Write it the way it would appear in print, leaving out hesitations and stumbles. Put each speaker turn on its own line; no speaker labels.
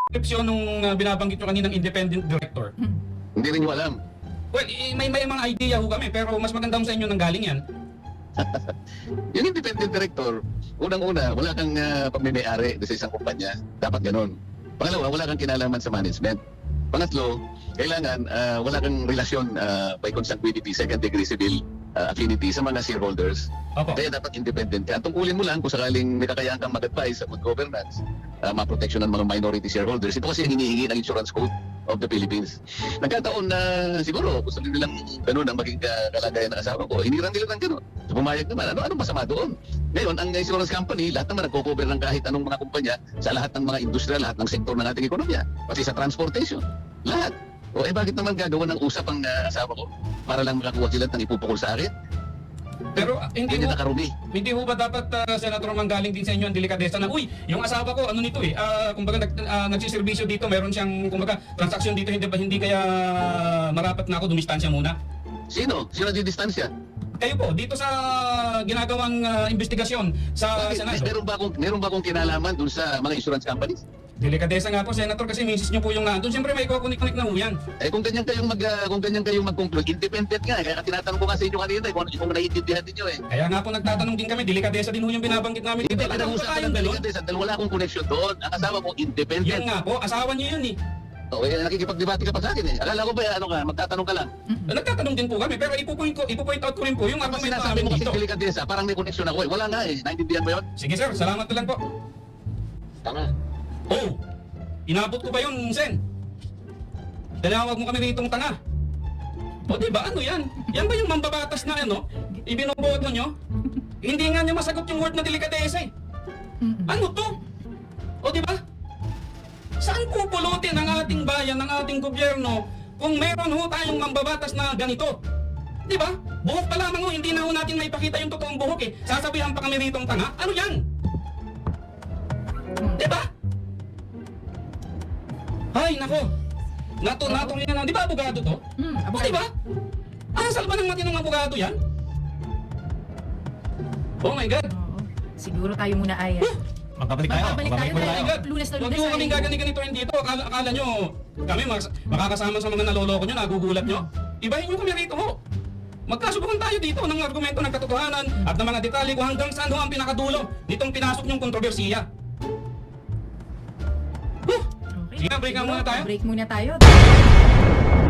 description nung binabanggit nyo kaninang independent director?
Hindi rin nyo alam.
Well, may mga idea ho kami, pero mas maganda ho sa inyo nang galing yan.
Yung independent director, unang-una, wala kang pagmimay-ari sa isang kumpanya. Dapat ganun. Pangalawa, wala kang kinalaman sa management. Pangatlo, kailangan wala kang relasyon by consanguinity, second degree civil affinity sa mga shareholders.
Opo.
Kaya dapat independent ka. Tungkulin mo lang kung sakaling may kakayaan kang mag-advise sa good governance, ma-protection ng mga minority shareholders. Ito kasi ang hinihingi ng Insurance Code of the Philippines. Nagkataon na siguro gusto nilang ganun ang maging kalagayan ng asawa ko. Hiniran nila ng ganun. So pumayag naman. Ano masama doon? Ngayon, ang insurance company, lahat naman nagko-cover ng kahit anong mga kumpanya sa lahat ng mga industriya, lahat ng sektor ng ating ekonomiya. Pati sa transportation. Lahat. O bakit naman gagawa ng usap ang asawa ko para lang makakuha sila ng ipupukol sa akin?
Pero hindi
Hindi
ho,
nakarumi.
hindi ho ba dapat, Senator, manggaling din sa inyo ang delikadesa na, uy, yung asawa ko, ano nito eh, kumbaga nagsiservisyo dito, meron siyang, kumbaga, transaksyon dito, hindi kaya marapat na ako dumistansya muna?
Sino? Sino di distansya?
Kayo po, dito sa ginagawang investigasyon sa
Bakit?
Senado.
Meron ba akong kinalaman dun sa mga insurance companies?
Delikadesa nga po, Senator, kasi misis nyo po yung nandun. Siyempre may kukunik-kunik na ho yan.
Kung ganyan kayong mag-conclude, independent nga. Kaya tinatanong ko nga sa inyo kanina kung naiintindihan niyo
Kaya nga po nagtatanong din kami, delikadesa din ho yung binabanggit namin dito.
Hindi,
Alam mo
pinag-usapan
tayong
ng
ganun?
delikadesa dahil wala akong connection doon. Ang asawa ko, independent.
Yun nga po, asawa niyo yun eh.
Nakikipag-debate ka pa sa akin eh. Akala ko ba magtatanong ka lang?
Nagtatanong din po kami, pero ipo-point out ko rin po yung
Kapag
argument
sinasabi
namin
mo kasi
dito.
delikadesa, parang may connection ako eh. Wala nga eh. Naintindihan mo yun?
Sige sir, salamat na lang po.
Tama.
Oh, inabot ko ba yun, Sen? Tinawag mo kami ritong tanga. O diba, ano yan? Yan ba yung mambabatas na ano? Ibinubuhat mo nyo? Hindi nga niya masagot yung word na delikadesa eh. Ano to? O diba? Saan pupulutin ang ating bayan, ang ating gobyerno kung meron ho tayong mambabatas na ganito? Diba? Buhok pa lamang ho, hindi na ho natin maipakita yung totoong buhok eh. Sasabihan pa kami ritong tanga? Ano yan? Diba? Ay, nako. Natuloy na lang. Di ba abogado to?
Abogado.
Di ba? Asal ba ng matinong abogado yan? Oh my God.
Oo. Siguro tayo muna ay...
Magkabalik tayo.
Magkabalik tayo
Oh my
dahil
God.
Lunes na
Huwag
Lunes
nyo
ay...
kaming gaganito-ganitoin dito. Akala nyo, kami makakasama sa mga naloloko nyo, nagugulat nyo. Ibahin nyo kami rito ho. Magkasubukan tayo dito ng argumento ng katotohanan at ng mga detalye kung hanggang saan ho ang pinakadulo nitong pinasok nyong kontrobersiya.
Okay.
Sige, break nga
Siguro,
muna tayo.
Break muna tayo.